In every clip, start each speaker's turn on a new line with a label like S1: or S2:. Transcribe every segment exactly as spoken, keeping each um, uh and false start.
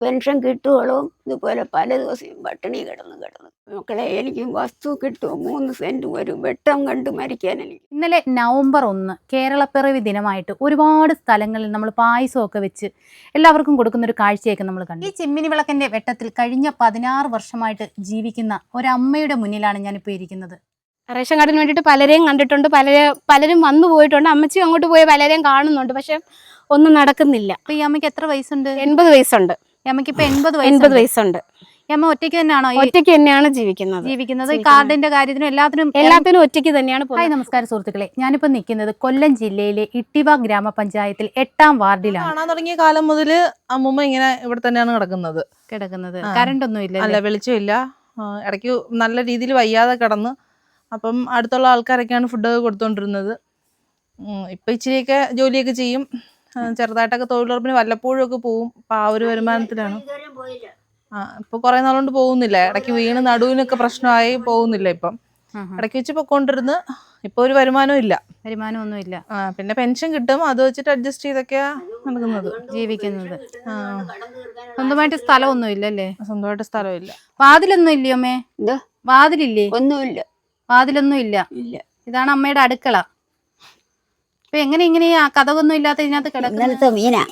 S1: Pension കിട്ടുവോളും ഇതുപോലെ പല ദിവസവും പട്ടിണി കിടന്ന് കിടന്ന് മക്കളെ എനിക്ക് വസ്തു കിട്ടുമോ മൂന്ന് സെന്റ് ഒരു വെട്ടം കണ്ട് മരിക്കാൻ എനിക്ക്.
S2: ഇന്നലെ നവംബർ ഒന്ന് കേരളപ്പിറവി ദിനമായിട്ട് ഒരുപാട് സ്ഥലങ്ങളിൽ നമ്മൾ പായസമൊക്കെ വെച്ച് എല്ലാവർക്കും കൊടുക്കുന്ന ഒരു കാഴ്ചയൊക്കെ നമ്മൾ കണ്ടു. ഈ ചിമ്മിനി വിളക്കിന്റെ വെട്ടത്തിൽ കഴിഞ്ഞ പതിനാറ് വർഷമായിട്ട് ജീവിക്കുന്ന ഒരമ്മയുടെ മുന്നിലാണ് ഞാനിപ്പോൾ ഇരിക്കുന്നത്.
S3: റേഷൻ കാർഡിന് വേണ്ടിയിട്ട് പലരെയും കണ്ടിട്ടുണ്ട്, പലരെ പലരും വന്നു പോയിട്ടുണ്ട്, അമ്മച്ചി അങ്ങോട്ട് പോയി പലരെയും കാണുന്നുണ്ട്, പക്ഷെ ഒന്നും നടക്കുന്നില്ല.
S2: അപ്പൊ ഈ അമ്മയ്ക്ക് എത്ര വയസ്സുണ്ട്?
S3: എൺപത് വയസ്സുണ്ട്.
S2: ഈ അമ്മയ്ക്ക് ഇപ്പൊ എൺപത്
S3: എൺപത് വയസ്സുണ്ട്.
S2: ഈ അമ്മ ഒറ്റയ്ക്ക് തന്നെയാണോ?
S3: ഒറ്റയ്ക്ക് തന്നെയാണ് ജീവിക്കുന്നത്
S2: ജീവിക്കുന്നത് ഈ കാർഡിന്റെ കാര്യത്തിനും എല്ലാത്തിനും
S3: എല്ലാത്തിനും ഒറ്റയ്ക്ക് തന്നെയാണ്.
S2: ഹായ് നമസ്കാരം സുഹൃത്തുക്കളെ, ഞാനിപ്പോ നിൽക്കുന്നത് കൊല്ലം ജില്ലയിലെ ഇട്ടിവ ഗ്രാമപഞ്ചായത്തിൽ എട്ടാം വാർഡിലാണ്.
S4: കാണാൻ തുടങ്ങിയ കാലം മുതൽ അമ്മൂമ്മ ഇങ്ങനെ ഇവിടെ തന്നെയാണ് കിടക്കുന്നത്
S2: കിടക്കുന്നത് കറണ്ട് ഒന്നും ഇല്ല,
S4: അല്ല വെളിച്ചമില്ല, ഇടയ്ക്ക് നല്ല രീതിയിൽ വയ്യാതെ കിടന്ന്. അപ്പം അടുത്തുള്ള ആൾക്കാരൊക്കെയാണ് ഫുഡൊക്കെ കൊടുത്തോണ്ടിരുന്നത്. ഇപ്പൊ ഇച്ചിരിയൊക്കെ ജോലിയൊക്കെ ചെയ്യും, ചെറുതായിട്ടൊക്കെ തൊഴിലുറപ്പിന് വല്ലപ്പോഴും ഒക്കെ പോവും. അപ്പൊ ആ ഒരു വരുമാനത്തിലാണ്. ആ ഇപ്പൊ കുറെ നാളുകൊണ്ട് പോകുന്നില്ല, ഇടയ്ക്ക് വീണ് നടുവിനൊക്കെ പ്രശ്നമായി പോകുന്നില്ല. ഇപ്പം ഇടയ്ക്ക് വെച്ച് പൊക്കോണ്ടിരുന്ന് ഇപ്പൊ ഒരു വരുമാനവും ഇല്ല,
S2: വരുമാനമൊന്നും ഇല്ല.
S4: ആ പിന്നെ പെൻഷൻ കിട്ടും, അത് വെച്ചിട്ട് അഡ്ജസ്റ്റ് ചെയ്തൊക്കെയാ നടക്കുന്നത്,
S2: ജീവിക്കുന്നത്. സ്വന്തമായിട്ട് സ്ഥലമൊന്നും ഇല്ലല്ലേ?
S4: സ്വന്തമായിട്ട് സ്ഥലമില്ല.
S2: വാതിലൊന്നും ഇല്ലയോ അമ്മേ?
S1: എന്താ
S2: വാതിലില്ലേ?
S1: ഒന്നുമില്ല,
S2: വാതിലൊന്നും ഇല്ല.
S1: ഇല്ല.
S2: ഇതാണ് അമ്മയുടെ അടുക്കള. ഇപ്പൊ എങ്ങനെ ഇങ്ങനെ ആ കഥകൊന്നും ഇല്ലാത്ത ഇതിനകത്ത് കിടക്കുന്നത്?
S1: ഇന്നലത്തെ മീനാ.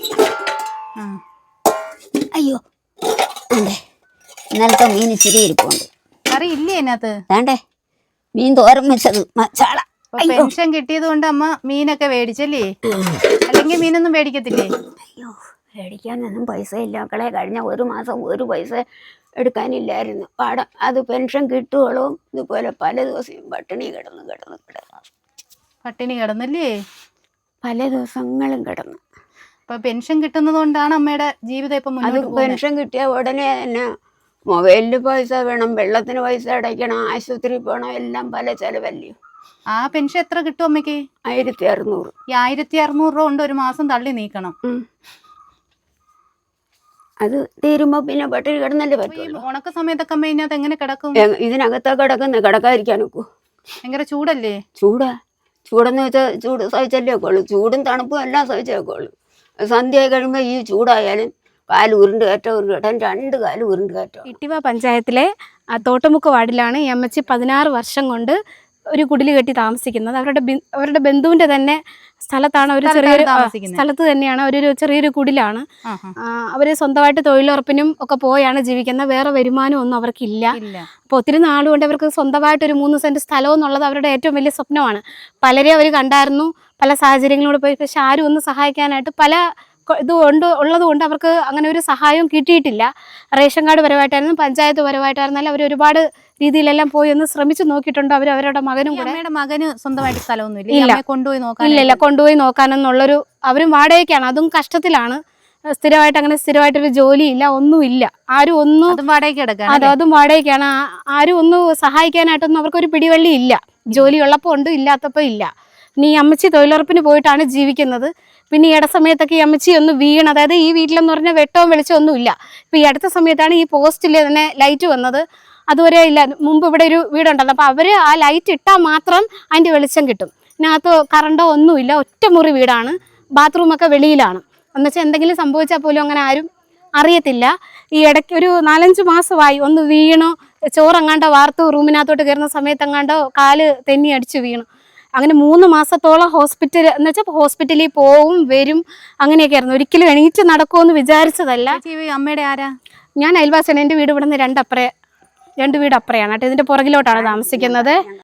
S1: അയ്യോ അതെ, ഇന്നലത്തെ മീൻ ഇച്ചിരി ഇരിപ്പുണ്ട്.
S2: കറി ഇല്ലേ അതിനകത്ത്?
S1: വേണ്ടേ മീൻ തോരൻ വെച്ചത് മസാല.
S2: പെൻഷൻ കിട്ടിയത് കൊണ്ട് അമ്മ മീനൊക്കെ മേടിച്ചല്ലേ? അല്ലെങ്കിൽ മീനൊന്നും മേടിക്കത്തില്ലേ?
S1: അയ്യോ മേടിക്കാനൊന്നും പൈസ ഇല്ല മക്കളെ. കഴിഞ്ഞ ഒരു മാസം ഒരു പൈസ എടുക്കാനില്ലായിരുന്നു. പാടം അത് പെൻഷൻ കിട്ടുവോളും ഇതുപോലെ പല ദിവസവും പട്ടിണി കിടന്ന് കിടന്ന് കിടന്ന്
S2: പട്ടിണി കിടന്നല്ലേ?
S1: പല ദിവസങ്ങളും കിടന്നു.
S2: അപ്പൊ പെൻഷൻ കിട്ടുന്നത് കൊണ്ടാണ് അമ്മയുടെ ജീവിതം ഇപ്പൊ
S1: അത് പെൻഷൻ കിട്ടിയ ഉടനെ തന്നെ മൊബൈലിന് പൈസ വേണം, വെള്ളത്തിന് പൈസ അടയ്ക്കണം, ആശുപത്രി പോകണം, എല്ലാം പല ചെലവല്ലേ.
S2: ആ പെൻഷൻ എത്ര കിട്ടും അമ്മയ്ക്ക്?
S1: ആയിരത്തി അറുന്നൂറ്.
S2: ഈ ആയിരത്തി അറുന്നൂറ് രൂപ കൊണ്ട് ഒരു മാസം തള്ളി നീക്കണം.
S1: അത് തീരുമ്പോ പിന്നെ പട്ടിണി കിടന്നല്ലേ പറ്റും.
S2: ഉണക്ക സമയത്തൊക്കെ അമ്മ ഇതിനകത്ത് എങ്ങനെ കിടക്കും?
S1: ഇതിനകത്താ കിടക്കുന്ന, കിടക്കാതിരിക്കാനൊക്കൂ.
S2: ഭയങ്കര ചൂടല്ലേ?
S1: ചൂടാ. ചൂടെന്ന് വെച്ചാൽ ചൂട് സഹിച്ചല്ലേ ഒക്കെയുള്ളൂ. ചൂടും തണുപ്പും എല്ലാം സഹിച്ചേക്കുള്ളൂ. സന്ധ്യയായി കഴിയുമ്പോൾ ഈ ചൂടായാലും കാല് ഉരുണ്ട് കയറ്റം ഉരുണ്ട് കയറ്റം രണ്ട് കാല് ഉരുണ്ട് കയറ്റം.
S3: ഇട്ടിവ പഞ്ചായത്തിലെ തോട്ടുമുക്ക് വാർഡിലാണ് ഈ അമ്മച്ചി പതിനാറ് വർഷം കൊണ്ട് ഒരു കുടില് കെട്ടി താമസിക്കുന്നത്. അവരുടെ അവരുടെ ബന്ധുവിന്റെ തന്നെ സ്ഥലത്താണ്, ഒരു ചെറിയൊരു സ്ഥലത്ത് തന്നെയാണ്, ഒരു ചെറിയൊരു കുടിലാണ്. അവര് സ്വന്തമായിട്ട് തൊഴിലുറപ്പിനും ഒക്കെ പോയാണ് ജീവിക്കുന്നത്. വേറെ വരുമാനം ഒന്നും അവർക്കില്ല. അപ്പൊ ഒത്തിരി നാളുകൊണ്ട് അവർക്ക് സ്വന്തമായിട്ട് ഒരു മൂന്ന് സെന്റ് സ്ഥലം എന്നുള്ളത് അവരുടെ ഏറ്റവും വലിയ സ്വപ്നമാണ്. പലരെയും അവർ കണ്ടായിരുന്നു, പല സാഹചര്യങ്ങളോട് പോയി, പക്ഷെ ആരും ഒന്ന് സഹായിക്കാനായിട്ട് പല ഇത് കൊണ്ട് ഉള്ളത് കൊണ്ട് അവർക്ക് അങ്ങനെ ഒരു സഹായവും കിട്ടിയിട്ടില്ല. റേഷൻ കാർഡ് പരമായിട്ടായിരുന്നു, പഞ്ചായത്ത് പരമായിട്ടായിരുന്നാലും അവർ ഒരുപാട് രീതിയിലെല്ലാം പോയി ഒന്ന് ശ്രമിച്ചു നോക്കിയിട്ടുണ്ട്. അവർ അവരുടെ മകനും കൂടെ.
S2: അമ്മയുടെ മകന് സ്വന്തമായിട്ട് സ്ഥലമൊന്നും ഇല്ല, കൊണ്ടുപോയി നോക്കാൻ
S3: ഇല്ലല്ല കൊണ്ടുപോയി നോക്കാനെന്നുള്ളൊരു, അവരും വാടകയ്ക്കാണ്, അതും കഷ്ടത്തിലാണ്. സ്ഥിരമായിട്ട് അങ്ങനെ സ്ഥിരമായിട്ടൊരു ജോലിയില്ല, ഒന്നുമില്ല. ആരും ഒന്നും
S2: വാടകയ്ക്ക് കിടക്കാം.
S3: അതെ, അതും വാടകയ്ക്കാണ്. ആരും ഒന്നും സഹായിക്കാനായിട്ടൊന്നും അവർക്കൊരു പിടിവള്ളി ഇല്ല. ജോലി ഉള്ളപ്പോൾ ഉണ്ട്, ഇല്ലാത്തപ്പോൾ ഇല്ല. ഇനി ഈ അമ്മച്ചി തൊഴിലുറപ്പിന് പോയിട്ടാണ് ജീവിക്കുന്നത്. പിന്നെ ഈ ഇട സമയത്തൊക്കെ ഈ അമ്മച്ചി ഒന്ന് വീണ്, അതായത് ഈ വീട്ടിലെന്ന് പറഞ്ഞാൽ വെട്ടവും വെളിച്ചവും ഒന്നും ഇല്ല. ഇപ്പം ഈ അടുത്ത സമയത്താണ് ഈ പോസ്റ്റിൽ തന്നെ ലൈറ്റ് വന്നത്. അതുവരെ ഇല്ല. മുമ്പ് ഇവിടെ ഒരു വീടുണ്ടല്ലോ, അപ്പോൾ അവർ ആ ലൈറ്റ് ഇട്ടാൽ മാത്രം അതിൻ്റെ വെളിച്ചം കിട്ടും. ഇതിനകത്ത് കറണ്ടോ ഒന്നുമില്ല, ഒറ്റമുറി വീടാണ്, ബാത്റൂമൊക്കെ വെളിയിലാണ്. എന്നുവെച്ചാൽ എന്തെങ്കിലും സംഭവിച്ചാൽ പോലും അങ്ങനെ ആരും അറിയത്തില്ല. ഈ ഇടയ്ക്ക് ഒരു നാലഞ്ച് മാസമായി ഒന്ന് വീണു, ചോറെങ്ങാണ്ടോ വാർത്ത് റൂമിനകത്തോട്ട് കയറുന്ന സമയത്തെങ്ങാണ്ടോ കാല് തെന്നി അടിച്ച് വീണു. അങ്ങനെ മൂന്ന് മാസത്തോളം ഹോസ്പിറ്റൽ എന്ന് വെച്ചാൽ ഹോസ്പിറ്റലിൽ പോവും വരും അങ്ങനെയൊക്കെ ആയിരുന്നു. ഒരിക്കലും എണീറ്റ് നടക്കുമെന്ന് വിചാരിച്ചതല്ല.
S2: അമ്മയുടെ ആരാ?
S3: ഞാൻ അയൽവാസിയാണ്. എൻ്റെ വീട് ഇവിടെ നിന്ന് രണ്ടപ്പുറേ രണ്ട് വീട് അപ്പുറയാണ് കേട്ടോ. ഇതിൻ്റെ പുറകിലോട്ടാണ് താമസിക്കുന്നത്.